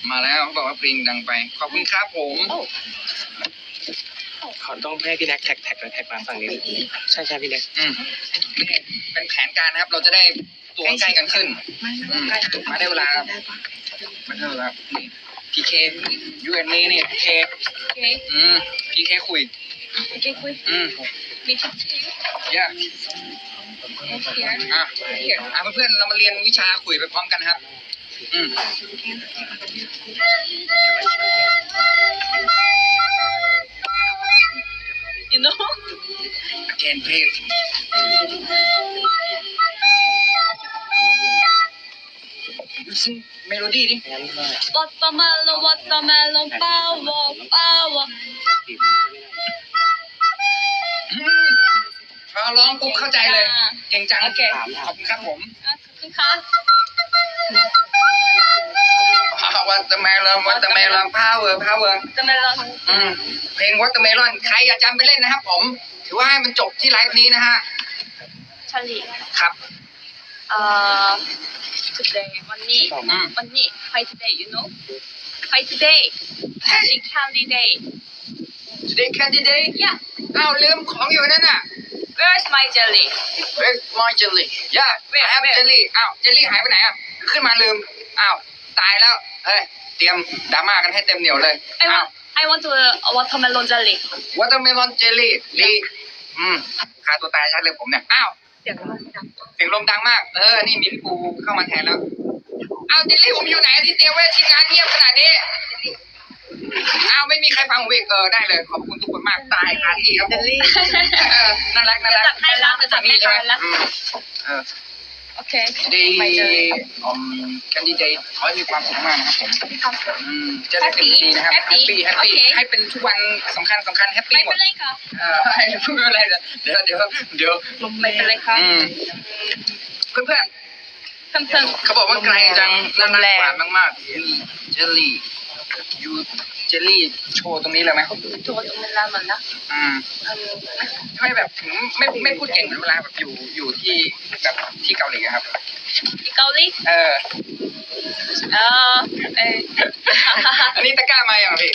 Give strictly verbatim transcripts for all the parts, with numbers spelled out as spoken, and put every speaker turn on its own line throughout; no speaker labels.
มาแล้วเขาบอกว่าเพลงดังไปขอบคุณครับผม
ขอต้องให้พี่แน็กแท็กแท็กแท็กมาฝั่งนี้ใช่ใช่พี่แน็ก
อืมนี่เป็นแผนการนะครับเราจะได้ตัวใกล้กันขึ้นอืมมาได้เวลามาได้เวลานี่พีเคยูเอ็นนี่นี่พีเคอืมพีเคคุย
พีเคคุย
อืม
มีชิป
เยอะอ่ะอ่ะเพื่อนๆเรามาเรียนวิชาคุยไปพร้อมกันครับอืม
you know
again please เมโลดี้ดิ
watermelon watermelon power power
พอร้องปุ๊บเข้าใจเลยเก่งจังโอเคขอบคุณครับผม
ขอบคุณค่ะ
watermelon watermelon power power
watermelon
อืมเพลง watermelon ใครอยากจำไปเล่นนะครับผมถือว่าให้มันจบที่ไลฟ์นี้นะฮะ
ชาลี
ครับ
เอ่อ today วันนี้วันนี้ fight today you know fight today candy candy day
today candy day
ย่า
อ้าวลืมของอยู่นั่นน่ะ
where's my jelly
where's my jelly yeah I have jelly อ้าวเจลลี่หายไปไหนอ่ะขึ้นมาลืมอ้าวตายแล้วเฮ้ยเตรียมดราม่ากันให้เต็มเหนียวเลย
I want I want to watermelon jelly
watermelon jelly ดีอืมฆ่าตัวตายชัดเลยผมเนี่ยอ้าว
เสียงลมดัง
เสียงลมดังมากเออนี่มีพี่ปูเข้ามาแทนแล้วอ้าวเจลลี่ผมอยู่ไหนที่เตรียมไว้ทีมงานเงียบขนาดนี้อ้าวไม่มีใครฟังผมอีกเออได้เลยขอบคุณทุกคนมากตายคาที่ครับผมน่ารักน่ารัก
จัดให้แล้วจัดให้แล้ว
เออ
โอเค
ดีอืมแคนดิเดตขอให้มีความสุขมากนะครับผม
มีความสุข
อืมจะได้เต็มที่นะครับแฮปปี้แฮปปี้ให้เป็นทุกวันสำคัญสำคัญแฮปปี้หมด
ไม่เป็นไรค่ะ
เออไม่เป็นไรเดี๋ยวเดี๋ยวเดี๋ยว
ไม่เป็นไรค่ะ
เพื่อนเพื่อน
เพื่อน
เขาบอกว่าไกลจังน่ารักหวานมากๆเจลลี่ยูเจลลี่โชว์ตรงนี้เลยไหม
โชว์ตรงนี้แล้วมันนะ
อืมไม่แบบถึงไม่ไม่พูดเก่งเหมือนเวลาแบบอยู่อยู่ที่แบบที่เกาหลีครับ
ที่เกาหลี
เออ
เออเออ
อันนี้ตะกร้ามาอย่างพี่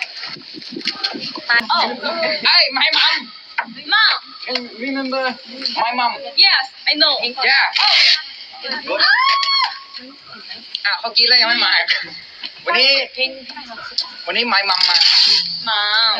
โอ้
ไอ้my mom
mom
remember my mom
yes I know
yeah อ่ะเขากินแล้วยังไม่มาวันนี้วันนี้ my mom มา
มา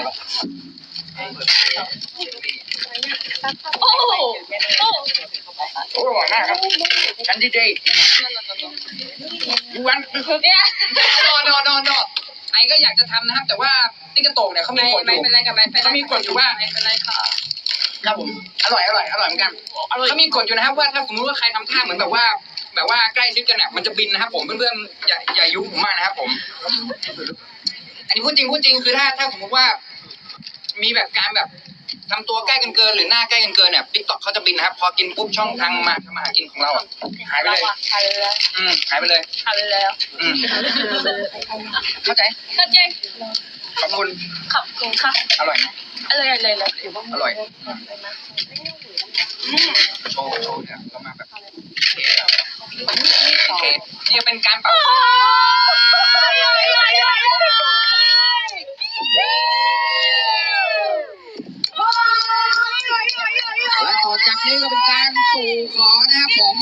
โอ้โอ้
โอ้อร่อยมากครับกันดีเดย์ยูวันนอนนอนนอนนอนไอ้ก็อยากจะทำนะครับแต่ว่าติ๊กโตกเนี่ยเขามีกฎอยู่
ไม่เป็นไรกับไม่เป็นไร
เขามีกฎอยู่ว่า
ไม่เป็นไรค่ะ
ครับผมอร่อยอร่อยอร่อยเหมือนกันเขามีกฎอยู่นะครับว่าถ้าสมมติว่าใครทำท่าเหมือนแบบว่าแบบว่าใกล้ชิดกันเนี่ยมันจะบินนะครับผมเพื่อนๆอย่าอย่ายุ่งผมมากนะครับผมอันนี้พูดจริงพูดจริงคือถ้าถ้าสมมติว่ามีแบบการแบบทำตัวใกล้กันเกินหรือหน้าใกล้กันเกินเนี่ยติ๊กต็อกเขาจะบินนะครับพอกินปุ๊บช่องทางมาทำมาหากินของเราอ่ะหายไปเลย
หายไปเลย
อืมหายไปเลย
หายไปแล้ว
อืมเข้าใจ
เข้าใจ
ขอบคุณ
ขอบคุณค่ะ
อร่อย
อร่อยอร่อย
อร่อยอืมโชว์โชว์เนี่ยเรามาแบบเท่โอเคนี่เป็นการปรับและต่อจากนี้ก็เป็นการสู่ขอนะครับผม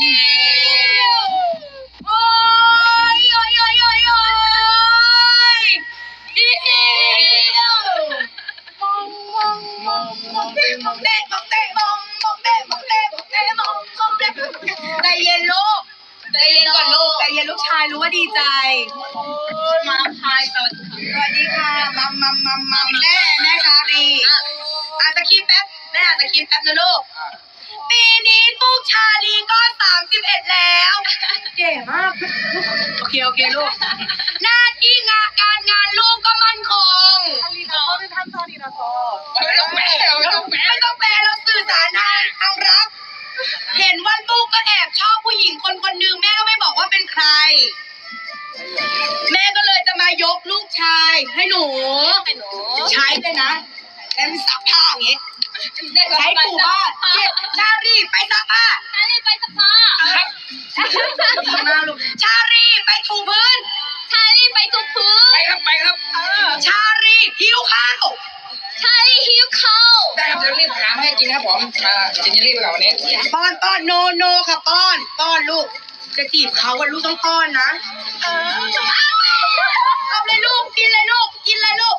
โอ้ยโอ้ยโอ้ยโอ้ยโอ้ยดีมองมองมองมองเด้มองเด้มองเด้มองมองเด้มองเด้มองเด้มองมองเด้ใจเย็นลูกใจเย็นก่อนลูกใจเย็นลูกชายรู้ว่าดีใจมาพายสวัสดีค่ะมัมมัมมัมมัมแม่แม่คารีอาจจะคิดแป๊บแม่อาจจะคิดแป๊บนะลูกปีนี้ลูกชาลีก็สามสิบเอ็ดแล้วเก๋มากโอเคโอเคลูกหน้าที่งานการงานลูกก็มั่นคงไม่ต้องแปลไม่ต้องแปลไม่ต้องแปลเราสื่อสารทางทางรักเห็นว่าลูกก็แอบชอบผู้หญิงคนคนหนึ่งแม่ก็ไม่บอกว่าเป็นใครแม่ก็เลยจะมายกลูกชายให้หนูใช้เลยนะแล้วมีซักผ้าอย่างงี้ใช้ปูบ้านชารีไปซักผ้าชารีไปซักผ้าครับชารีไปถูพื้นช
찰리 바이토프
ไปครับไปครับ
ชาลีหิวข้าว
찰리 히우카오
ได้ครับจะรีบหามาให้กินครับผมอ่ากินเยลลี่ไปก่อนวันนี้
ป้อนป้อนโนโนค่ะป้อนป้อนลูก จะจีบเขาอะลูกต้องป้อนนะเอาเลยลูกกินเลยลูกกินเลยลูก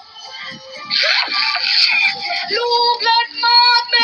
ลูกเลิศมากแม่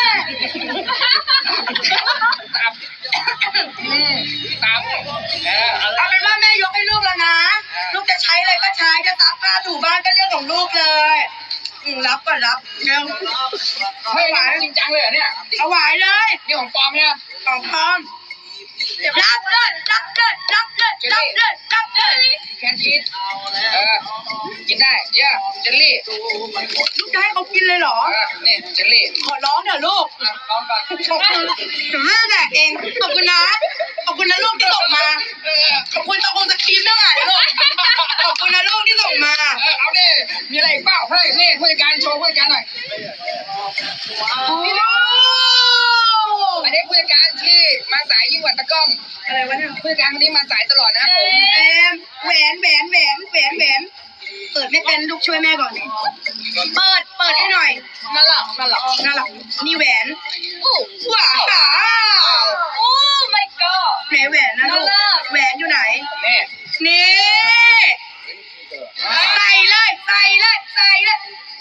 ตับอืมตับเออเอาละ
เอาเป็นว่าแม่ยกให้ลูกแล้วนะ ลูกจะใช้อะไรก็ใช้จะซักผ้าถูบ้านก็เรื่องของลูกเลยอืมรับก็รับเร็ว
เฮ้ยจริงจังเลยเหรอเนี่ย
เอาไหวเลย
นี่ของปลอมเนี่ย
ของพร้อมรับเลยรับเลยรับเลยรับเลยรับเลย
แคนชีสเออกินได้เย่เจลลี่
ลูกจะให้เขากินเลยเหรอ
เออนี่เจลลี่
ขอร้องเถอะลูก
อ่ะลองก่อน
ขอบคุณถึงแม่แดกเองขอบคุณนะขอบคุณนะลูกที่ส่งมา
เออ
ขอบคุณตะคงสคริปต์ด้วยอ่ะลูกขอบคุณนะลูกที่ส่งมา
เออเอาดิมีอะไรอีกเปล่าเฮ้ยนี่ผู้จัดการโชว์ผู้จัดการหน่อย อันนี้ผู้จัดการที่มาสายยิ่งกว่าตะกล้อง
อะไรวะเนี่ย
ผู้จัดการคนนี้มาสายตลอดนะครับผม
แอมแหวนแหวนแหวนแหวนแหวนเปิดไม่เป็นลูกช่วยแม่ก่อน เปิดเปิดให้หน่อย
날라 날라
น่ารักนี่แหวน
오
ว้าว
오 마이 갓
ไหนแหวนนะลูก
น่ารัก
แหวนอยู่ไหน
นี่
นี่ใส่เลยใส่เลยใส่เลย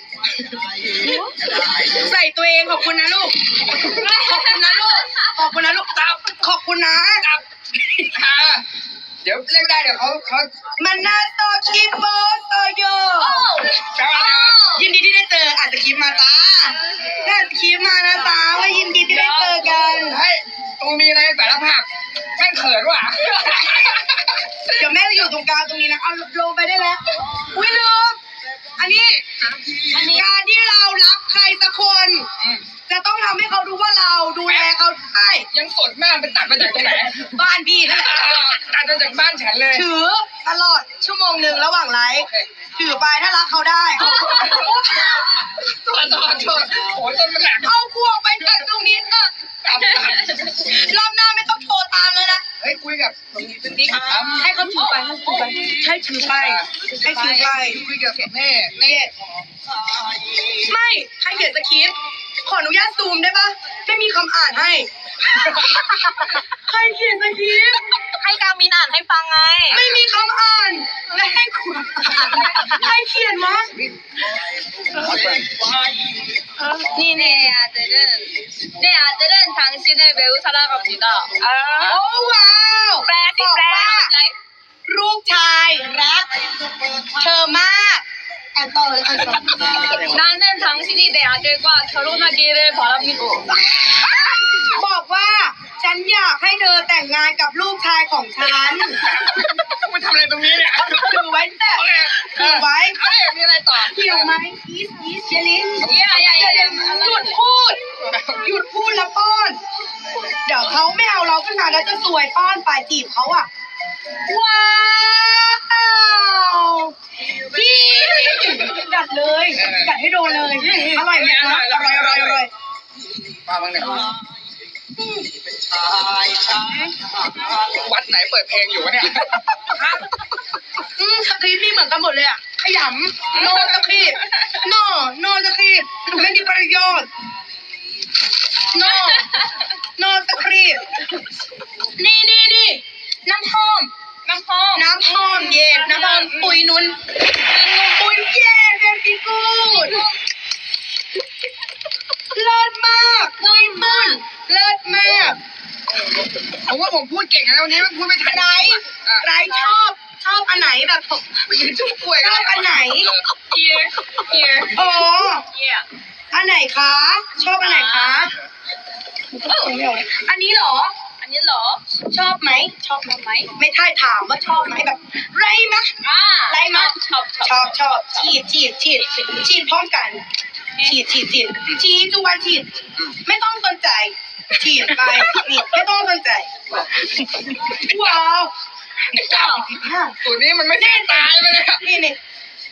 ใส่ตัวเองขอบคุณนะลูก ขอบคุณนะลูก ขอบคุณนะลูกตับขอบคุณนะ
ตับอ่าเดี๋ยวเล่นได้เดี๋ยวเขาเขา
มันนาโตคิโบโตโย
แปลว่าอะไรวะ
ยินดีที่ได้เจออาจจะคลิปมาจ้าน่าจะคลิปมานะจ้าว่ายินดีที่ได้เจอกัน
เฮ้ยตูมีอะไรสารภาพแม่งเขินว่ะ
เดี๋ยวแม่จะอยู่ตรงกลางตรงนี้นะเอาลงไปได้แล้ว อุ้ยลืมอันนี้การที่เรารักใครสักคน
อืม
จะต้องทำให้เขารู้ว่าเราดูแลเขาได้
ยังสดมากเป็นตัดมาจากตรงไหน
บ้านพี่นั่นแหละ
อ่าตัดมาจากบ้านฉันเลย
ถือตลอดชั่วโมงหนึ่งระหว่างไลฟ์
โอเค
ถือไปถ้ารักเขาได้
ตัวตัวตัวโอ้ยต้นมันแหลก
เอาขวกไปจากตรงนี้เออ
ตับตับ
รอบหน้าไม่ต้องโทรตามเลยนะ
เฮ้ยคุยกับติ๊กครับ
ให้เขาถือไปให้ถือไปให้ถือไปให้ถือไป
คุยกับเน่เน่
ไม่ให้เขียนสคริปต์ขออนุญาตซูมได้ปะไม่มีคำอ่านให้ใครเขียนสคริปต์
ให้กามินอ่านให้ฟังไง
ไม่มีคำอ่าน และให้คุณใครเขียนวะ
네 내 아들은 내 아들은 당신을 매우 사랑합니다
โอ้ว้าว
แปลสิ
บอก
แปล
ว่า
เข้าใจ
ลูกชายรัก เธอมากอ่านต่อเลยอ่านต่อ
나는 당신이 내 아들과 결혼하기를 바랍니다
บอกว่าฉันอยากให้เธอแต่งงานกับลูกชายของฉัน
มันทำอะไรตรงนี้เนี่ย
ถือไว้แต่ถือไว้
เอาเลยมีอะไรต่อ
เกี่ยวไหมอีสอีสเจลิน
อย่าอย่าอย่าอย่า
หยุดพูด หยุดพูดแล้วป้อน เดี๋ยวเขาไม่เอาเราขึ้นมาแล้วจะสวยป้อนฝ่ายจีบเขาอ่ะ ว้าวพี่กัดเลยกัดให้โดนเลย อร่อยไหมคะอร่อยอร่อยอร่อย
มาบ้างเนี่ยวัดไหนเปิดเพลงอยู่วะเนี่ย
อืมสคริปต์นี่เหมือนกันหมดเลยอ่ะ ขยำโนสคริปต์โนโนสคริปต์ไม่มีประโยชน์โนโนสคริปต์นี่นี่นี่น้ำหอม
น้ำหอม
น้ำหอมเย็นน้ำหอมปุยนุนปุยเย็นเวทีกูดเลิศมากปุยมุนเลิศมาก
ผมว่าผมพูดเก่งนะวันนี้มันพูดไม่ทัน
ไร
จริงๆอ่ะ
ไรชอบชอบอันไหนแบบผม
จุ๊บกล้วย
ชอบอันไหน
เอียเอีย
อ๋อ
เอีย
อันไหนคะ ชอบอันไหนคะ อันนี้เหรอ
อันนี้เหรอ
ชอบไหม
ชอบไหม
ไม่ใช่ถามว่าชอบไหมแบบไรมะ
อ่า
ไรมะ
ชอบช
ช
อบ
อบชอบฉีดฉีดฉีดฉีดพร้อมกัน ฉีดฉีดฉีดฉีดทุกวันฉีด ไม่ต้องสนใจ ฉีดไปนี่ไม่ต้องสนใจ ว้าว
ชอบ
อ่ะ
สูตรนี้มันไม่ใช่ตายไปเลยอะ
นี่นี่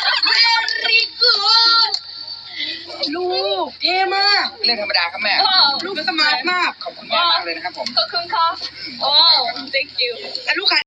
very good ลูกเท่มาก
เรื่องธรรมดาครับแม่
ลูกสมาร์ทมาก
ขอบคุณแม่มากเลยนะครับผม
ขอบคุณค่ะ โอ้ thank you
แล้วลูกค้า